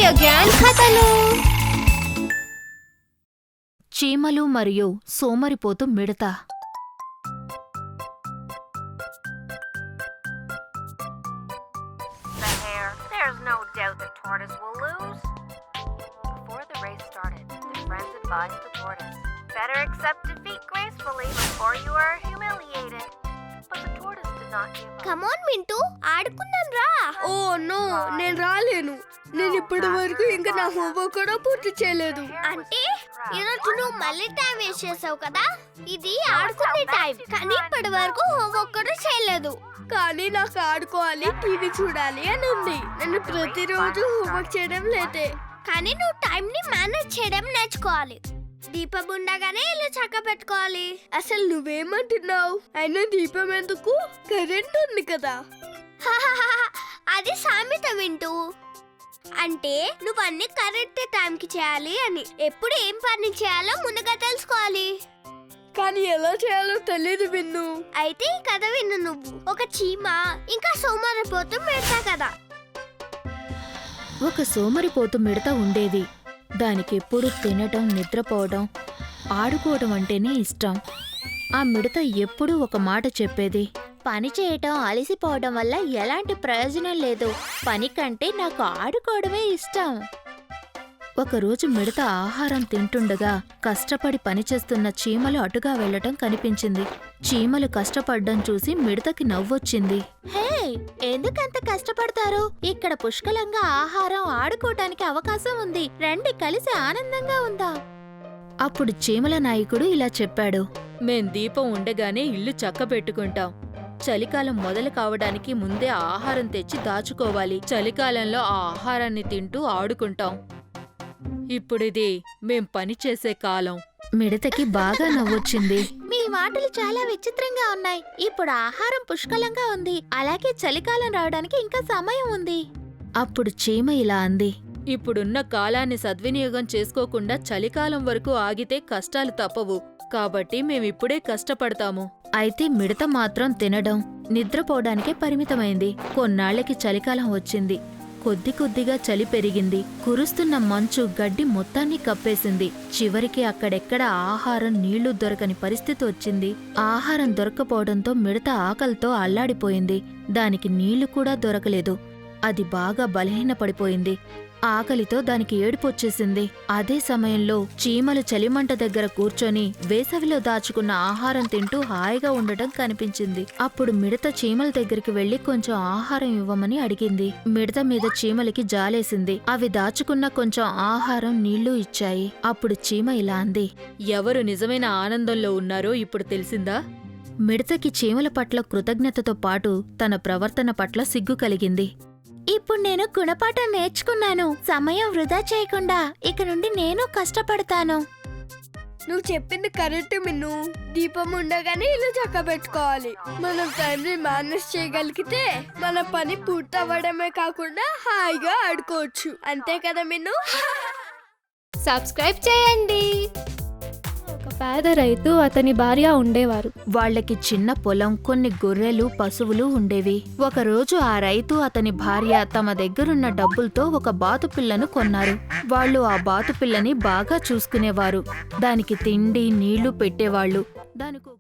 జ్ఞాన్ కథలు. చీమలు మరియు సోమరిపోతు మిడత. There's no doubt the tortoise will lose. Before the race started, the friends advised the tortoise, better accept defeat gracefully before you are humiliated. But the tortoise did not give up. Come on, Mintu, ఆడుకుందాం రా. Oh no, నేను రాలేను. నేను ఇప్పటి వరకు ఇంకా నా homework కూడా పూర్తి చేయలేదు. అంటే ఈరోజు నువ్వు మళ్ళీ టైం వేస్ట్ చేసావు కదా. ఇది ఆడుకునే టైం, కానీ ఇప్పటి వరకు హోంవర్క్ కూడా చేయలేదు. కానీ నాకు ఆడుకోవాలి, టీవీ చూడాలి అని ఉంది. నేను ప్రతిరోజు హోంవర్క్ చేయడం లేదే. కానీ నువ్వు టైం ని మేనేజ్ చేయడం నేర్చుకోవాలి. దీపం ఉండగానే ఇల్లు చక్క పెట్టుకోవాలి. అసలు నువ్వేమంటున్నావు? అయినా దీపం ఎందుకు? కరెంట్ ఉంది కదా. అది సామెత వింటూ. అంటే నువ్వు అన్ని కరెక్ట్ టైంకి చేయాలి అని. ఎప్పుడు ఏం పని చేయాలో ముందుగా తెలుసుకోవాలి. కానీ ఎలా చేయాలో తెలియదు విన్ను. అయితే ఈ కథ విన్ను నువ్వు. ఒక చీమ ఇంకా సోమరిపోతు మిడత కదా. ఒక సోమరిపోతు మిడత ఉండేది. దానికెప్పుడు తినటం, నిద్రపోవడం, ఆడుకోవడం అంటేనే ఇష్టం. ఆ మిడత ఎప్పుడూ ఒక మాట చెప్పేది: పని చేయటం, అలసిపోవడం వల్ల ఎలాంటి ప్రయోజనం లేదు. పని కంటే నాకు ఆడుకోవడమే ఇష్టం. ఒకరోజు మిడత ఆహారం తింటుండగా కష్టపడి పనిచేస్తున్న చీమలు అటుగా వెళ్లటం కనిపించింది. చీమలు కష్టపడ్డం చూసి మిడతకి నవ్వొచ్చింది. హే, ఎందుకంత కష్టపడతారు? ఇక్కడ పుష్కలంగా ఆహారం, ఆడుకోవటానికి అవకాశం ఉంది. రండి, కలిసి ఆనందంగా ఉందాం. అప్పుడు చీమల నాయకుడు ఇలా చెప్పాడు: మేం దీపం ఉండగానే ఇల్లు చక్కబెట్టుకుంటాం. చలికాలం మొదలు కావడానికి ముందే ఆహారం తెచ్చి దాచుకోవాలి. చలికాలంలో ఆ ఆహారాన్ని తింటూ ఆడుకుంటాం. ఇప్పుడిది మేం పనిచేసే కాలం. మిడతకి బాగా నవ్వొచ్చింది. మీ మాటలు చాలా విచిత్రంగా ఉన్నాయి. ఇప్పుడు ఆహారం పుష్కలంగా ఉంది, అలాగే చలికాలం రావడానికి ఇంకా సమయం ఉంది. అప్పుడు చీమ ఇలా అంది: ఇప్పుడున్న కాలాన్ని సద్వినియోగం చేసుకోకుండా చలికాలం వరకు ఆగితే కష్టాలు తప్పవు. కాబట్టి మేమిప్పుడే కష్టపడతాము. అయితే మిడత మాత్రం తినడం, నిద్రపోవడానికే పరిమితమైంది. కొన్నాళ్లకి చలికాలం వచ్చింది. కొద్ది కొద్దిగా చలి పెరిగింది. కురుస్తున్న మంచు గడ్డి మొత్తాన్ని కప్పేసింది. చివరికి అక్కడెక్కడ ఆహారం, నీళ్లు దొరకని పరిస్థితి వచ్చింది. ఆహారం దొరకపోవడంతో మిడత ఆకలితో అల్లాడిపోయింది. దానికి నీళ్లు కూడా దొరకలేదు. అది బాగా బలహీనపడిపోయింది. ఆకలితో దానికి ఏడుపొచ్చేసింది. అదే సమయంలో చీమలు చలిమంట దగ్గర కూర్చొని వేసవిలో దాచుకున్న ఆహారం తింటూ హాయిగా ఉండటం కనిపించింది. అప్పుడు మిడత చీమల దగ్గరికి వెళ్లి కొంచెం ఆహారం ఇవ్వమని అడిగింది. మిడత మీద చీమలకి జాలేసింది. అవి దాచుకున్న కొంచెం ఆహారం, నీళ్లు ఇచ్చాయి. అప్పుడు చీమ ఇలా అంది: ఎవరు నిజమైన ఆనందంలో ఉన్నారో ఇప్పుడు తెలిసిందా? మిడతకి చీమల పట్ల కృతజ్ఞతతో పాటు తన ప్రవర్తన పట్ల సిగ్గు కలిగింది. ఇప్పుడు నేను గుణపాఠం నేర్చుకున్నాను. సమయం వృధా చేయకుండా ఇక నుండి నేను కష్టపడతాను. నువ్వు చెప్పింది కరెక్ట్ మిన్ను. దీపం ఉండగానే ఇల్లు చక్క పెట్టుకోవాలి. మనం టైంని మేనేజ్ చేయగలిగితే మన పని పూర్తవ్వడమే కాకుండా హాయిగా ఆడుకోవచ్చు. అంతే కదా మిన్ను? సబ్స్క్రైబ్ చేయండి. ఒక పేద రైతు, అతని భార్య ఉండేవారు. వాళ్లకి చిన్న పొలం, కొన్ని గొర్రెలు, పశువులు ఉండేవి. ఒకరోజు ఆ రైతు, అతని భార్య తమ దగ్గరున్న డబ్బులతో ఒక బాతుపిల్లను కొన్నారు. వాళ్ళు ఆ బాతుపిల్లని బాగా చూసుకునేవారు. దానికి తిండి, నీళ్లు పెట్టేవాళ్లు. దానికి